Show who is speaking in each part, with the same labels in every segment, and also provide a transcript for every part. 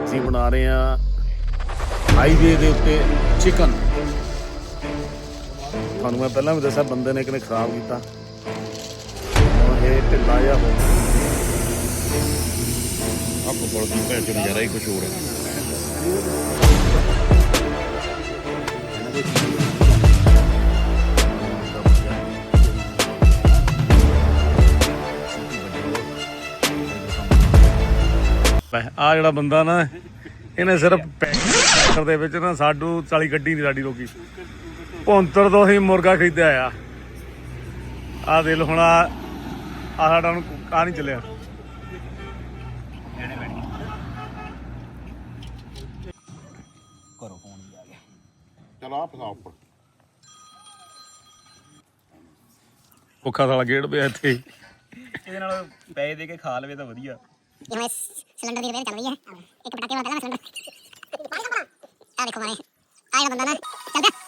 Speaker 1: ਅਸੀਂ ਬਣਾ ਰਹੇ ਹਾਂ ਹਾਈਵੇ ਦੇ ਉੱਤੇ ਚਿਕਨ। ਤੁਹਾਨੂੰ ਮੈਂ ਪਹਿਲਾਂ ਵੀ ਦੱਸਿਆ ਬੰਦੇ ਨੇ ਕਿਨੇ ਖਰਾਬ ਕੀਤਾ, ਹੁਣ ਇਹ ਢਿੱਲਾ ਜਿਹਾ ਹੋ ਗਿਆ।
Speaker 2: ਆਪ ਕੋਲ ਦੀ ਭੈਣ ਚੋਂ ਨਜ਼ਾਰਾ ਹੀ ਕੁਛ ਹੋਰ ਹੈ।
Speaker 1: ਆ ਜਿਹੜਾ ਬੰਦਾ ਨਾ ਇਹਨੇ ਸਿਰਫ ਪੈਕਰ ਦੇ ਵਿੱਚ ਨਾ ਸਾਡੂ 40 ਗੱਡੀ ਨਹੀਂ ਸਾਡੀ ਰੋਕੀ। 75 ਤੋਂ ਅਸੀਂ ਮੁਰਗਾ ਖਰੀਦਿਆ ਆ ਦਿਲ ਹੁਣ ਆ ਸਾਡਾ ਹੁਣ ਆ ਨਹੀਂ ਚੱਲਿਆ।
Speaker 3: ਘਰੋਂ ਫੋਨ ਹੀ ਆ ਗਿਆ।
Speaker 2: ਚਲ ਆ ਫਸਾ ਉੱਪਰ
Speaker 1: ਭੁੱਖਾ ਸਾਲਾ ਗੇੜ ਪਿਆ ਇੱਥੇ।
Speaker 3: ਇਹਦੇ ਨਾਲ ਪੈਸੇ ਦੇ ਕੇ ਖਾ ਲਵੇ ਤਾਂ ਵਧੀਆ।
Speaker 4: ਜਿਵੇਂ ਸਿਲੰਡਰ ਦੀ ਰਿਪੇਅਰ ਚੱਲ ਰਹੀ ਹੈ, ਇੱਕ ਪਟਾਕੇ ਵਾਲਾ ਪਹਿਲਾਂ ਸਿਲੰਡਰ ਆ ਦੇਖੋ ਮਾਰੇ ਆ ਜਿਹੜਾ ਬੰਦਾ ਨਾ ਚੱਲ ਪਿਆ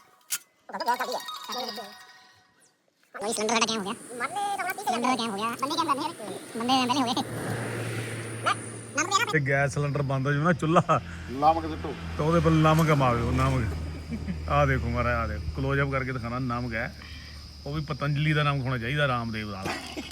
Speaker 4: ਕੋਈ ਸਿਲੰਡਰ ਸਾਡਾ ਕਿਵੇਂ ਹੋ ਗਿਆ, ਸਿਲੰਡਰ ਕਿਵੇਂ ਹੋ ਗਿਆ, ਬੰਦੇ ਕਿਵੇਂ ਬੰਦੇ ਪਹਿਲੇ ਹੋ ਗਏ
Speaker 1: ਤੇ ਗੈਸ ਸਿਲੰਡਰ ਬੰਦ ਹੋ ਜਾਵੇ ਨਾ ਚੁੱਲ੍ਹਾ
Speaker 2: ਲਾਮ ਕੇ ਸਿੱਟੋ
Speaker 1: ਤਾਂ ਉਹਦੇ ਪਰ ਨਮਕ ਮਾਵੇ। ਨਮਕ ਆ ਦੇਖੋ ਮਾਰਾ, ਆ ਦੇਖੋ ਕਲੋਜ਼ ਅਪ ਕਰਕੇ ਦਿਖਾਣਾ। ਨਮਕ ਹੈ ਉਹ ਵੀ ਪਤੰਜਲੀ ਦਾ ਨਮਕ ਹੋਣਾ ਚਾਹੀਦਾ, ਰਾਮਦੇਵ ਦਾ।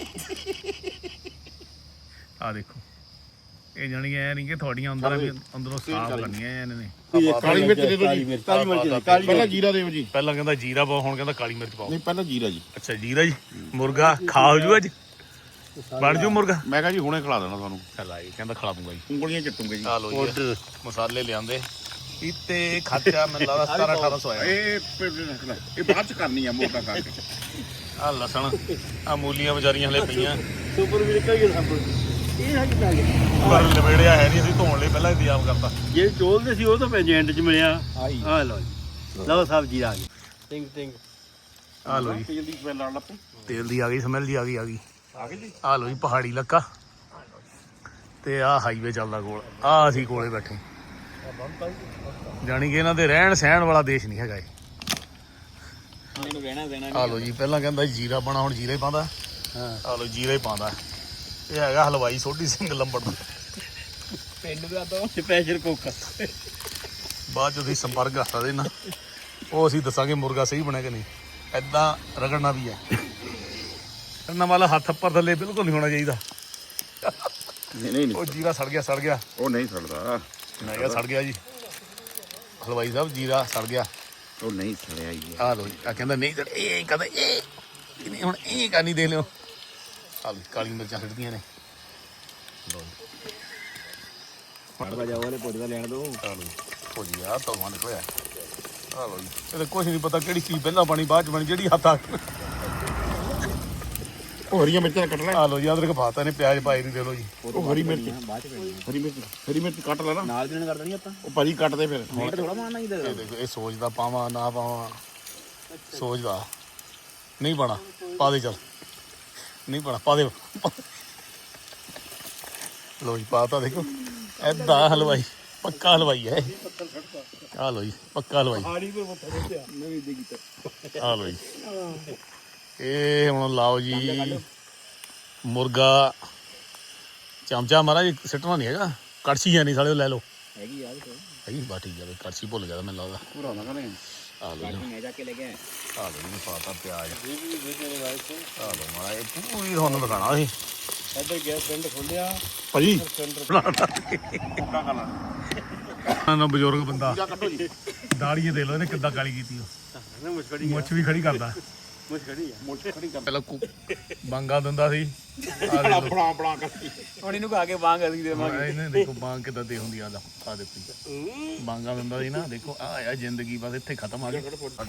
Speaker 1: ਆ ਦੇਖੋ ਇਹ ਜਾਣੀ ਐ ਨਹੀਂ ਕਿ ਤੁਹਾਡੀਆਂ ਅੰਦਰੋਂ ਸਾਫ਼ ਕਰਨੀਆਂ ਇਹਨਾਂ ਨੇ।
Speaker 2: ਕਾਲੀ ਮਿਰਚ ਦੇ ਦਿਓ ਜੀ। ਕਾਲੀ ਮਿਰਚ ਪਹਿਲਾਂ ਜੀਰਾ ਦਿਓ ਜੀ।
Speaker 1: ਪਹਿਲਾਂ ਕਹਿੰਦਾ ਜੀਰਾ ਪਾਓ, ਹੁਣ ਕਹਿੰਦਾ ਕਾਲੀ ਮਿਰਚ ਪਾਓ।
Speaker 2: ਨਹੀਂ ਪਹਿਲਾਂ ਜੀਰਾ ਜੀ।
Speaker 1: ਅੱਛਾ ਜੀਰਾ ਜੀ। ਮੁਰਗਾ ਖਾ ਹੋ ਜੂ ਅੱਜ, ਬਣ ਜੂ ਮੁਰਗਾ।
Speaker 2: ਮੈਂ ਕਿਹਾ ਜੀ ਹੁਣੇ ਖਿਲਾ ਦੇਣਾ ਤੁਹਾਨੂੰ।
Speaker 1: ਚਲਾ ਜੀ ਕਹਿੰਦਾ ਖਿਲਾ ਦੂੰਗਾ ਜੀ।
Speaker 2: ਉਂਗਲੀਆਂ ਚੱਟੂਗੇ ਜੀ।
Speaker 1: ਆ ਲੋ ਜੀ ਮਸਾਲੇ ਲਿਆਂਦੇ ਇੱਥੇ ਖਰਚਾ ਮੈਨੂੰ ਲੱਗਦਾ 1700-1800 ਆਇਆ।
Speaker 2: ਇਹ ਬਾਅਦ ਚ ਕਰਨੀ ਆ ਮੋਟਾ ਕਰਕੇ।
Speaker 1: ਆ ਲਸਣ ਆ ਮੂਲੀਆਂ ਵਿਚਾਰੀਆਂ ਹਲੇ ਪਈਆਂ
Speaker 3: ਸੁਪਰ ਵੀ ਨਿਕਲ ਗਿਆ ਸਭ ਇਹ ਹੱਜ ਪੈ ਗਿਆ।
Speaker 1: ਪਰ ਲਵੇੜਿਆ ਹੈ ਨਹੀਂ, ਅਸੀਂ ਧੋਣ ਲਈ ਪਹਿਲਾਂ ਇੰਤਜ਼ਾਮ ਕਰਤਾ।
Speaker 3: ਜੇ ਚੋਲਦੇ ਸੀ ਉਹ ਤਾਂ ਐਂਡ ਚ ਮਿਲਿਆ। ਆ ਲਓ ਜੀ, ਲਓ ਸਬਜ਼ੀ ਆ ਗਈ। ਟਿੰਗ ਟਿੰਗ
Speaker 1: ਆ ਲੋ ਜੀ
Speaker 2: ਤੇਲ ਦੀ ਸਮੈਲ ਆਉਣ ਲੱਗ ਪਈ।
Speaker 1: ਤੇਲ ਦੀ ਆ ਗਈ, ਸਮੈਲ ਦੀ ਆ ਗਈ।
Speaker 2: ਆ ਗਈ ਜੀ।
Speaker 1: ਆ ਲੋ ਜੀ ਪਹਾੜੀ ਇਲਾਕਾ ਤੇ ਆ ਹਾਈਵੇ ਚੱਲਦਾ ਕੋਲ। ਆ ਅਸੀਂ ਕੋਲੇ ਬੈਠੇ, ਜਾਣੀ ਕਿ ਇਹਨਾਂ ਦੇ ਰਹਿਣ ਸਹਿਣ ਵਾਲਾ ਦੇਸ਼ ਨਹੀਂ ਹੈਗਾ ਇਹ।
Speaker 3: ਮੈਨੂੰ ਰਹਿਣਾ ਦੇਣਾ
Speaker 1: ਆ ਲੋ ਜੀ ਪਹਿਲਾਂ ਕਹਿੰਦਾ ਜੀਰਾ ਪਾਣਾ, ਹੁਣ ਜੀਰਾ ਹੀ ਪਾਉਂਦਾ। ਆ ਲੋ ਜੀਰਾ ਹੀ ਪਾਉਂਦਾ। ਇਹ ਹੈਗਾ ਹਲਵਾਈ ਸੋਢੀ ਸਿੰਘ ਲੰਬੜ ਦਾ
Speaker 3: ਪਿੰਡ ਦਾ ਤਾਂ ਸਪੈਸ਼ਲ ਕੁੱਕ।
Speaker 1: ਬਾਅਦ ਚ ਤੁਸੀਂ ਸੰਪਰਕ ਕਰ ਸਕਦੇ ਨਾ, ਉਹ ਅਸੀਂ ਦੱਸਾਂਗੇ ਮੁਰਗਾ ਸਹੀ ਬਣਿਆ ਕਿ ਨਹੀਂ। ਏਦਾਂ ਰਗੜਨਾ ਵੀ ਹੈ, ਰਗੜਨਾ ਵਾਲਾ ਹੱਥ ਉੱਪਰ ਥੱਲੇ ਬਿਲਕੁਲ ਨਹੀਂ ਹੋਣਾ ਚਾਹੀਦਾ।
Speaker 2: ਨਹੀਂ
Speaker 1: ਉਹ ਜੀਰਾ ਸੜ ਗਿਆ
Speaker 2: ਉਹ ਨਹੀਂ ਸੜਦਾ।
Speaker 1: ਮੈਂ ਕਿਹਾ ਸੜ ਗਿਆ ਜੀ ਹਲਵਾਈ ਸਾਹਿਬ, ਜੀਰਾ ਸੜ ਗਿਆ।
Speaker 2: ਉਹ ਨਹੀਂ ਸੜਿਆ ਜੀ।
Speaker 1: ਆ ਲੋ ਜੀ ਆ ਕਹਿੰਦਾ ਨਹੀਂ ਸੜ, ਇਹ ਕਹਿੰਦਾ ਇਹ ਨਹੀਂ, ਹੁਣ ਇਹ ਕਰਨੀ ਦੇਖ ਲਿਓ। ਆ ਲੋ ਕਾਲੀ ਮਿਰਚਾਂ ਛੱਡਦੀਆਂ ਨੇ। ਲੋ ਜੀ
Speaker 3: ਵਜਾ ਵਾਲੇ ਪੁੱਜ ਦਾ ਲੈਣ ਦੋ।
Speaker 1: ਆ ਲੋ ਭੁਜੀ ਆ ਧੋਵਾਂ ਨਿਕਲਿਆ। ਆ ਲੋ ਜੀ ਇਹਦੇ ਕੁਛ ਨਹੀਂ ਪਤਾ ਕਿਹੜੀ ਚੀਜ਼ ਪਹਿਲਾਂ ਬਣੀ ਬਾਅਦ ਚ ਬਣੀ, ਜਿਹੜੀ ਹੱਥ ਆ।
Speaker 2: ਉਹ ਹਰੀਆਂ ਮਿਰਚਾਂ ਕੱਟ ਲੈ।
Speaker 1: ਆ ਲੋ ਜੀ ਅਦਰਕ ਪਾਤਾ ਨੇ, ਪਿਆਜ਼ ਪਾਏ ਨਹੀਂ। ਦੇ ਲੋ ਜੀ
Speaker 2: ਉਹ ਹਰੀ ਮਿਰਚ
Speaker 3: ਬਾਅਦ ਚ ਪੈਣੀ
Speaker 2: ਹਰੀ ਮਿਰਚ ਕੱਟ ਲੈ ਨਾ।
Speaker 3: ਨਾਲ ਦੇਣ ਕਰ ਦੇਣੀ ਆਪਾਂ।
Speaker 2: ਉਹ ਭਾਜੀ ਕੱਟਦੇ ਫਿਰ।
Speaker 3: ਮੀਟ ਥੋੜਾ ਮਾਰਨਾ ਹੀ ਦੇ
Speaker 1: ਇਹ ਦੇਖੋ ਇਹ ਸੋਚਦਾ ਪਾਵਾਂ ਨਾ ਪਾਵਾਂ, ਸੋਚਦਾ ਨਹੀਂ ਪਾਣਾ। ਪਾ ਦੇ ਚੱਲ, ਨਹੀਂ ਪਾਣਾ ਪਾ ਦੇ। ਲੋ ਜੀ ਪਾਤਾ ਦੇਖੋ। ਏਦਾਂ ਹਲਵਾਈ, ਪੱਕਾ ਹਲਵਾਈ ਹੈ। ਆ ਲੋ ਜੀ ਪੱਕਾ ਹਲਵਾਈ।
Speaker 3: ਨਵੀਂ ਦੇ ਕੀਤਾ।
Speaker 1: ਆ ਲੋ ਜੀ ਇਹ ਹੁਣ ਲਾਓ ਜੀ ਮੁਰਗਾ। ਚਮਚਾ ਮਹਾਰਾਜ ਸਿੱਟਣਾ ਨਹੀਂ ਹੈਗਾ, ਕੜਛੀ ਹੈ ਨਹੀਂ ਸਾਲੇ, ਲੈ ਲਓ।
Speaker 3: ਹੈਗੀ ਯਾਰ
Speaker 1: ਹੈਗੀ ਬਾ ਠੀਕ ਹੈ, ਕੜਛੀ ਭੁੱਲ ਗਿਆ ਮੈਨੂੰ ਲੱਗਦਾ।
Speaker 2: ਪੂਰਾ ਨਾ ਕਰੇ।
Speaker 1: ਆ ਲੋ ਜੀ,
Speaker 3: ਮੈਂ ਜਾ ਕੇ ਲੈ ਗਿਆ।
Speaker 1: ਆ ਲੋ ਜੀ ਪਾਤਾ ਪਿਆਜ਼। ਆ ਲੋ ਮਾਰਾ ਇਹ ਪੂਰੀ ਤੁਹਾਨੂੰ ਦਿਖਾਣਾ ਸੀ।
Speaker 3: ਇੱਧਰ ਗਿਆ ਪਿੰਡ ਖੋਲਿਆ
Speaker 1: ਭਾਜੀ
Speaker 2: ਮੋਟਾ ਕਾਲਾ
Speaker 1: ਨਾ ਬਜ਼ੁਰਗ ਬੰਦਾ
Speaker 2: ਜੀਰਾ ਕੱਢੋ ਜੀ।
Speaker 1: ਦਾੜੀਏ ਦੇ ਲੋ ਇਹਨੇ ਕਿੱਦਾਂ ਕਾਲੀ ਕੀਤੀ ਉਹ।
Speaker 3: ਮੁਸ਼ਕੜੀ
Speaker 1: ਮੁੱਛ ਵੀ ਖੜੀ ਕਰਦਾ।
Speaker 3: ਮੁਸ਼ਕੜੀ ਆ।
Speaker 2: ਮੁੱਛ ਖੜੀ ਕਰ।
Speaker 1: ਪਹਿਲਾਂ ਬਾਂਗਾ ਦਿੰਦਾ ਸੀ।
Speaker 2: ਬਣਾ ਕਰਤੀ।
Speaker 3: ਹੁਣ ਇਹਨੂੰ ਕਹਾ ਕੇ ਵਾਂਗ ਅਸੀਂ ਦੇਵਾਂਗੇ।
Speaker 1: ਇਹਨੇ ਦੇਖੋ ਬਾਂਗ ਕਿੱਦਾਂ ਦੇ ਹੁੰਦੀ ਆ। ਆ ਦੇਖੋ ਬਾਂਗਾ ਦਿੰਦਾ ਸੀ ਨਾ। ਦੇਖੋ ਆ ਆ ਜ਼ਿੰਦਗੀ ਬਸ ਇੱਥੇ ਖਤਮ ਆ ਗਈ।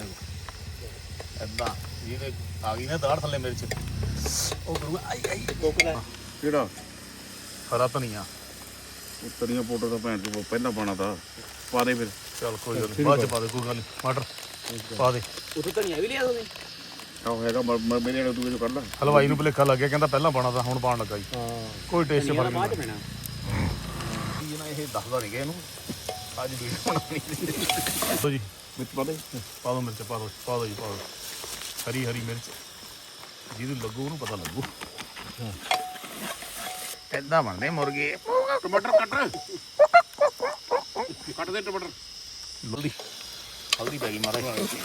Speaker 1: ਏਦਾਂ ਜਿਹਨੇ ਆ ਗਈ ਨਾ ਦਾੜ ਥੱਲੇ ਮਿਰਚ, ਉਹ ਕਰੂਗਾ ਆਈ ਆਈ।
Speaker 2: ਕਿਹੜਾ
Speaker 1: ਹਰਾ ਧਨੀਆ।
Speaker 2: ਉਹ ਤਰੀਆਂ ਪਾਊਡਰ ਦਾ ਭੈਣ ਚੋ ਪਹਿਲਾਂ ਪਾਣਾ ਤਾਂ ਪਾ ਦੇ ਫਿਰ।
Speaker 1: ਚੱਲ ਕੋਈ ਗੱਲ ਨੀ, ਬਾਅਦ ਚ ਪਾ ਦੇ, ਕੋਈ ਗੱਲ ਨੀ। ਮਟਰ ਪਾ ਦੇ।
Speaker 3: ਉੱਥੇ ਧਨੀਆ ਵੀ ਲਿਆ ਤੁਸੀਂ?
Speaker 2: ਆਹ ਹੈਗਾ ਮੇਰੇ ਨਾਲ ਦੂਏ ਚੋਂ ਕੱਢ ਲੈ।
Speaker 1: ਹਲਵਾਈ ਨੂੰ ਭੁਲੇਖਾ ਲੱਗ ਗਿਆ, ਕਹਿੰਦਾ ਪਹਿਲਾਂ ਪਾਣਾ ਤਾਂ ਹੁਣ ਪਾਣ ਲੱਗਾ ਜੀ। ਕੋਈ ਟੇਸਟ ਫਰਕ
Speaker 3: ਬਾਅਦ ਚ
Speaker 1: ਨਹੀਂ
Speaker 3: ਪੈਣਾ।
Speaker 1: ਨਾ ਇਹ ਦੱਸਦਾ ਨਹੀਂ ਗਿਆ ਇਹਨੂੰ ਅੱਜ ਵੀਡੀਓ ਬਣਾਉਣੀ। ਦੱਸੋ ਜੀ
Speaker 2: ਮਿਰਚ ਪਾ ਦੇ।
Speaker 1: ਪਾ ਦੋ ਮਿਰਚ, ਪਾ ਦੋ ਜੀ, ਪਾ ਦੋ ਹਰੀ ਮਿਰਚ। ਜਿਹਨੂੰ ਲੱਗੂ ਉਹਨੂੰ ਪਤਾ ਲੱਗੂ। ਏਦਾਂ ਬਣਦੇ ਮੁਰਗੇ।
Speaker 2: ਟਮਾਟਰ ਕੱਟ। ਕੱਟ ਦੇ ਟਮਾਟਰ।
Speaker 1: ਹਲਦੀ ਹਲਦੀ ਪੈ ਗਈ ਮਾਰਾ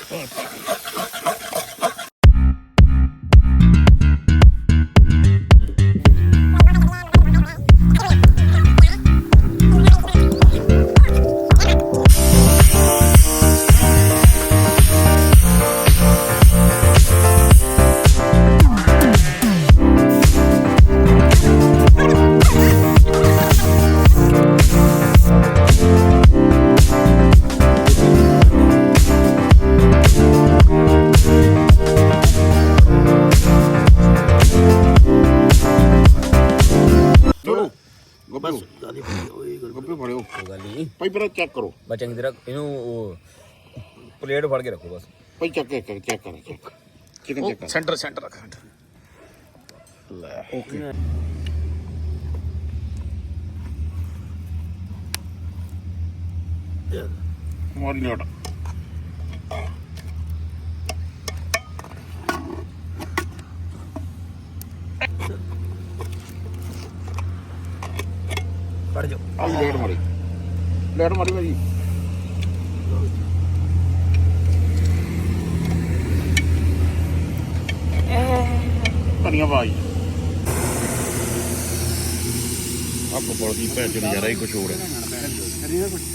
Speaker 2: ਚਲੋ ਗੱਬੇ ਗੱਬੇ ਫੜਿਓ
Speaker 5: ਗੱਲ ਨਹੀਂ
Speaker 2: ਭਾਈ ਪਹਿਲਾਂ ਚੈੱਕ ਕਰੋ
Speaker 5: ਬਸ ਚੰਗੀ ਤਰ੍ਹਾਂ ਇਹਨੂੰ ਉਹ ਪਲੇਟ ਫੜ ਕੇ ਰੱਖੋ ਬਸ
Speaker 2: ਭਾਈ ਚੈੱਕ ਕਰ ਚਿਕਨ ਚੈੱਕ ਕਰ
Speaker 1: ਸੈਂਟਰ ਸੈਂਟਰ ਰੱਖ
Speaker 2: ਲੈ ਓਕੇ ਮਾਰੀ ਲੋਟ
Speaker 5: ਫੜ ਜਾਓ
Speaker 2: ਆਈ ਲੈਟ ਮਾਰੀ ਭਾਜੀ ਧਨੀਆ ਭਾਈ ਆਪ ਕੋਲ ਦੀ ਭੈਣ ਚ ਨਜ਼ਾਰਾ ਹੀ ਕੁਝ ਹੋਰ ਹੈ